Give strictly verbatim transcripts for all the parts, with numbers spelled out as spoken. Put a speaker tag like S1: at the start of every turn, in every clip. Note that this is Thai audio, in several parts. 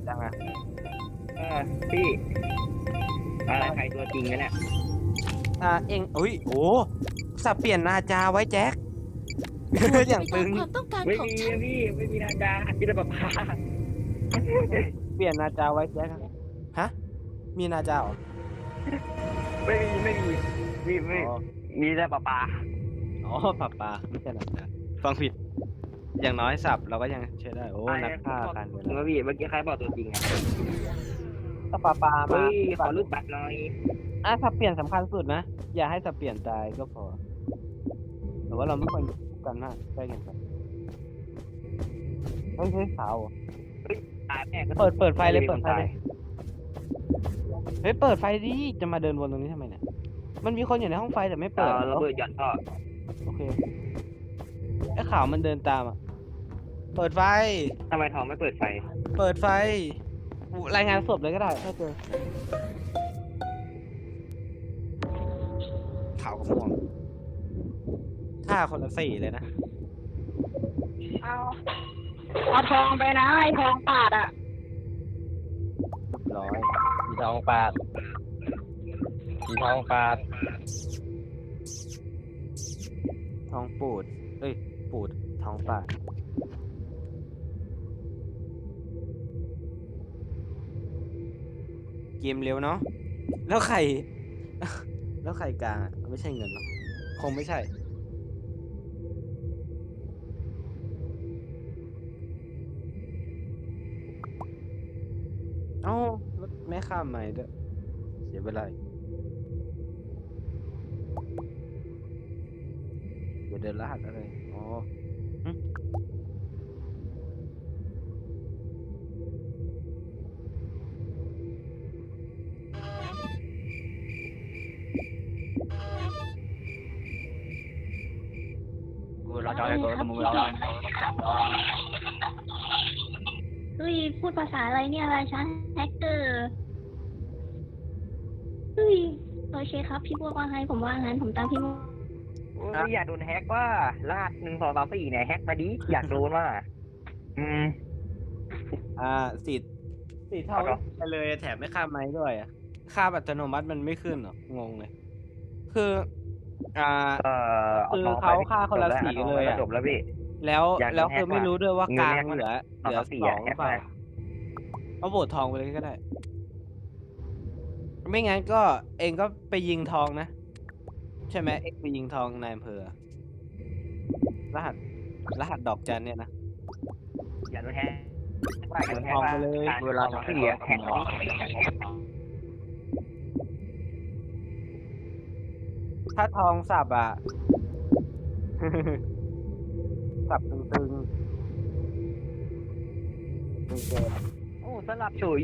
S1: จังอะ
S2: เออพี่อะไรใครตัวจริงนะเนี่ย
S1: อ่าเองอุ้ยโอ้สับเปลี่ยนนาจาไว้แจ็ค
S3: โปรด
S1: อ
S3: เป็น
S1: ย่าง
S3: ไป
S1: ตึ
S3: ตาม
S1: ง
S3: ความต้องการ
S2: ไม่
S3: ของ
S2: มี
S3: ฉัน
S2: นะพี่ไม่มีนาดาพี่ตะปะพา
S1: เปลี่ยนนาจาไว้แจ็คอะฮะมีนาจาเหรอ
S2: ไม่มีไม่มีมีไม่
S1: อ๋อ
S2: มีแต่ปะปา
S1: อ๋อปลาปลาไม่ใช่นาจาฟังผิดอย่างน้อยสับเราก็ยังใช้ได้โอ้นักฆ่ากันเว
S2: ถึง
S1: ลา
S2: ว่าพี่เมื่อกี้ใครบอกตัวจริงอ่ะ
S1: ถ้าปลาปลามา
S2: เฮ้ยขอรูปบัตรหน่อย
S1: อ่ะสับเปลี่ยนสำคัญสุดนะอย่าให้สับเปลี่ยนตายก็พอแต่ว่าเราไม่ควรกันมากใกล้กันไปเฮ้ยเฮ้ยขาวเหรอ
S2: ตายแม่ก็
S1: เปิดเปิดไฟเลย
S2: มี
S1: เปิ
S2: ค
S1: ด
S2: น
S1: ไฟ
S2: ตา
S1: เลย เฮ้ยเปิดไฟดิจะมาเดินวนตรงนี้ทำไมเนี่ยมันมีคนอยู่ในห้องไฟแต่ไม่
S2: เอ
S1: เปิด
S2: อระเบิดหย่อนท่อ
S1: โอเคไอ้ขาวมันเดินตามอ่ะเปิดไฟ
S2: ทำไมทองไม่เปิดไฟ
S1: เปิดไฟอุ๊รายงานศพเลยก็ได้ถ้าเจอขาวกับม่วงถ้าคนละสีเลยนะ
S4: เอาเอาทองไปนะไอ้ทองปาดอ่ะ
S1: เรียบร้อย
S5: สีทองปาดสีทองปาด
S1: ทองปูดเอ้ยปูดทองป่าเกมเร็วเนาะแล้วใคร แล้วใครกลางอ่ะไม่ใช่เงินหรอคงไม่ใช่เอ้ารถไม่ข้ามใหม่ด้วยเสียเวลาอีกเดี๋ยวเดินรหัสอะไรอ๋อหึ
S5: กูเราจะอะไรกูมึงเรา
S4: เฮ้ยพูดภาษาอะไรเนี่ยอะไรฉันแฮกเกอร์เฮ้ยโอเคครับพี่บัวว่าไงผมว่างั้นผมตามพี่บัว
S2: โอ้ยอยากโดนแฮกว่าลาดหนึ่งสองสามสี่เนี่ยแฮกมาดิอยากโดนว่าอืม
S1: อ่าสีสีเทา
S2: เอาเหรอ
S1: ไปเลยแถมไม่ข้ามไม้ด้วยอ่ะข้ามอัตโนมัติมันไม่ขึ้นหรองงเลย คือ อ่า
S2: เออ
S1: คือ
S2: ทงไป
S1: เขาฆ่าคนละ
S2: จบแว
S1: สีเลยอะ
S2: จบแล้วพี่
S1: แล้ว
S2: อยากโดน
S1: แล้ว
S2: แฮก
S1: คือไม่
S2: ว่ะ
S1: รู้ด้วยว่า
S2: เงิ
S1: ก
S2: น
S1: ลาง
S2: แฮก
S1: เหลือ
S2: สอง
S1: เหลือ
S2: สามสี่
S1: ส
S2: อะ
S1: องห
S2: แฮ
S1: รื
S2: ก
S1: อเปล่า
S2: มา
S1: เอาโหวตทองไปเลยก็ได้ ไม่งั้นก็เองก็ไปยิงทองนะ ใช่ไหมเอ็กไปยิงทองนายอำเภอรหัสรหัสดอกจันเนี่ยนะ
S2: อยากโดนแฮกว่าอยากโดนแฮก
S1: ทอง
S2: ว่า
S1: ไปเลย
S2: เวลาสองสี่อะแฮกมาดิ
S1: ถ้าทองสับอ่ะ สับตึงๆตึงเกิน
S2: โอ้สลับเฉย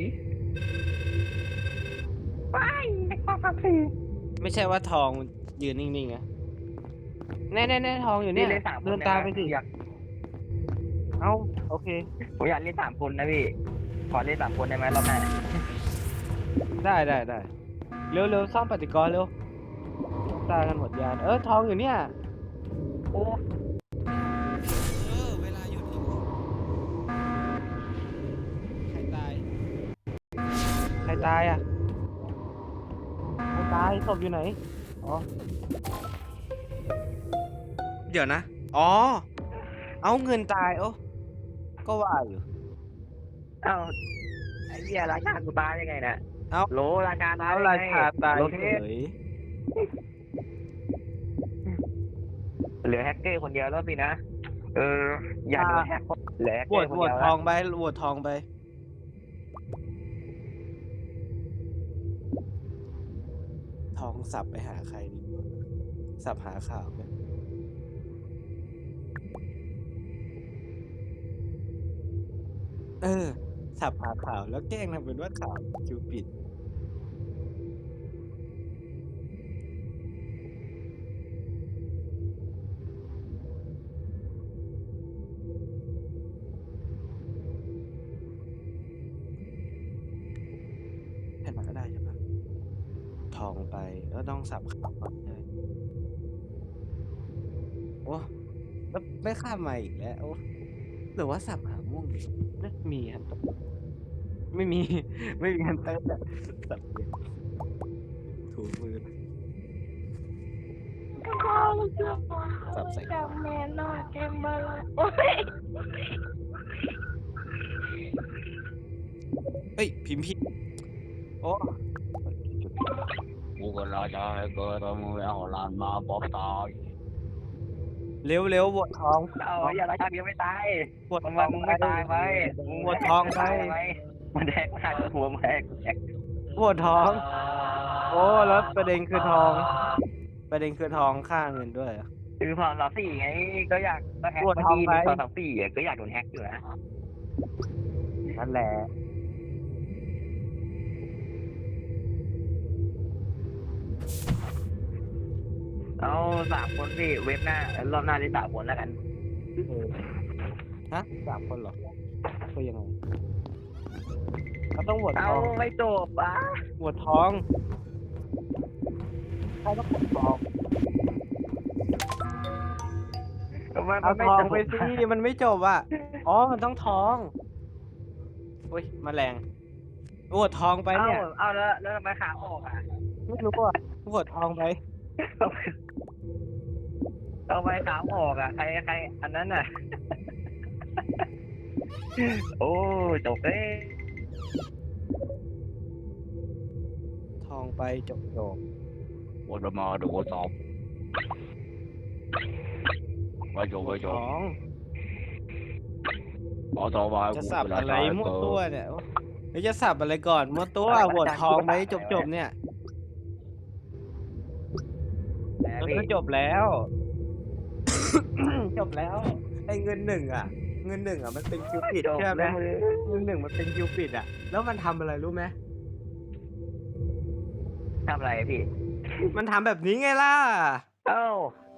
S2: ไปแฮกสองสามสี่
S1: ไม่ใช่ว่าทองมันยืนนิ่งๆนะแน่แน่แน่ทองอยู่เนี่ย
S2: เล่นสามคน
S1: เดินตามไปสิ
S2: อยาก
S1: เอ้าโอเค
S2: ผมอยากเล่นสามคนนะพี่ขอเล่นสามคนได้ไหมรอบหน้า
S1: ได้ได้ได้เร็วเร็วซ่อมปฏิกรณ์เร็วตายกันหมดยานเออทองอยู่เนี่ยโอ้เออเวลาหยุดอีกใครตายใครตายอ่ะใครตายศพอยู่ไหนอ๋อเดี๋ยวนะอ๋อเอาเงินตายโอ้ก็ว่าอยู่
S2: เอ้าไอ้เหี้ยราชากูตายยังไงน่ะ
S1: เอ้า
S2: โลราชาตาย
S1: เอา
S2: ได้
S1: รา
S2: ไง
S1: ชาตาย
S2: โล
S1: เฉ
S2: เทส
S1: ย
S2: เหลือแฮกเกอร์คนเดียวแล้วสินะ เออ อย่าโดนแฮกเหลือแฮก
S1: โห
S2: เก
S1: ว
S2: อ
S1: ต
S2: ร์คน
S1: โหว
S2: เดี
S1: ต
S2: ยว
S1: ท
S2: แล้ว
S1: องไปโหวตทองไป ทองสับไปหาใครดีวะสับหาข่าวไหมเออ สับหาข่าวแล้วแกล้งทำเป็นว่าข่าวคิวปิดแค่นั้นก็ได้ใช่ปะทองไปแล้วต้องสับข่าวก่อนเลยโอ้แล้วไม่ข้ามมาอีกแล้วโอ้หรือว่าสับหาม่วงดิน่ามีครับไม่มี ไม่มีการเต้นอะสับเปลี่ยนถูมือ สับใส่
S4: จำแม่นอนเกมบอลโอ้ย
S1: เฮ้ย พิมพ์ผิดโอ้
S5: กูก็รอจะให้เกิดมึงเอาหลานมาบอกตาย
S1: เร็วเร็วบวชทอง
S2: เอาอย่าละชักยังไม่ตาย
S1: บวช
S2: มึง
S1: ท
S2: มา
S1: อง
S2: มึง
S1: ไป
S2: ไม่ตายไป
S1: บวชทองไป
S2: มันแดกมาหัวมึงแดกแดก
S1: บวชทอง โอ้แล้วประเด็นคือทอง ประเด็นคือทองค่าเงินด้วยอะ
S2: คือพอสามสี่ไงก็อยากก็แฮก
S1: ปวด
S2: เมื่อ
S1: ท้อง
S2: กี้
S1: ไป
S2: พอสามสี่อะก็อยากโดนแฮกอยู่นะ
S1: นั่นแหละ
S2: เอาสามคนสิเว็บหน้ารอบหน้าได้สามคนแล้วกัน
S1: เออฮะสามคนเหรอคือยังไงเราต้องบวชท
S2: เอา
S1: อง
S2: ไม่จบอ่ะ
S1: บวชทองใครต้องบวชทอง
S2: ทำไมมั
S1: เอา
S2: นไม่
S1: ทอง
S2: จบ
S1: ไปสิมันไม่จบอ่ะ อ๋อ มันต้องทองอุ้ยแมลงบวชทองไป
S2: เอา
S1: เนี่ย
S2: เอาแล้วแล้วทำไมขาออกอ่ะ
S1: ไม่รู้อ่ะบวชทองไป
S2: เอาไปขาออกอ่ะใครใครอันนั้นน่ะ โอ้จบเลย
S1: ทองไปจบจบ
S5: วันมาดูสอบไปจบไปจ
S1: ท
S5: บ
S1: อง
S5: ขอต่อไป
S1: จะสับอะไรมั่วตัวเนี่ยเดี๋ยวจะสับอะไรก่อนมั่วตัวบวชทองไปจบจบเนี่ย
S2: แต่
S1: มัน
S2: พี่
S1: ก็จบแล้ว จบแล้วไอ้เงินหนึ่งอ่ะ เงินหนึ่งอ่ะมันเป็นคิวปิด
S2: จบ
S1: ใช่ไหม
S2: แล้ว
S1: เงินหนึ่งมันเป็นคิวปิดอ่ะ แล้วมันทำอะไรรู้ไหม
S2: ทำอะไรพี่
S1: มันทำแบบนี้ไงล่ะ
S2: เอ้า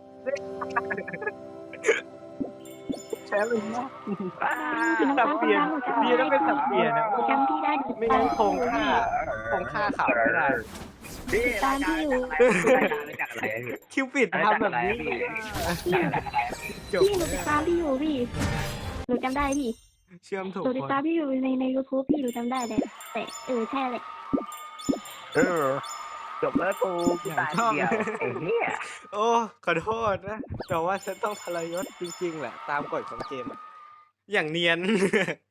S1: แชร์เลยนะ
S2: อ้า
S1: สับเปลี่ยนดีแล้วเป็นสับเปลี่ยนนะ
S4: หนูจำพี่ได้หนู
S1: ไม่งั้นคงค่าคงค่าข่าวไม่ได้
S2: พี่
S4: ตามที่อยู่
S2: รายการรายการอะไรพี่
S1: คิวปิดทำแบบนี้
S2: พี่
S1: จบ
S4: พี่หนูติดตามพี่อยู่พี่หนูจำได้พี่
S1: เชื่อมถูก
S4: หนูติด
S1: คน
S4: ตามพี่อยู่ในในยูทูบพี่หนูจำได้เลยแต่เออใช่เลย
S2: เออจบแล้วกูกูตายทีเดียวไอ้เหี้ย
S1: โอ้ขอโทษนะ แต่ว่าฉันต้องทรยศจริงๆแหละ ตามกฎของเกมอะอย่างเนียน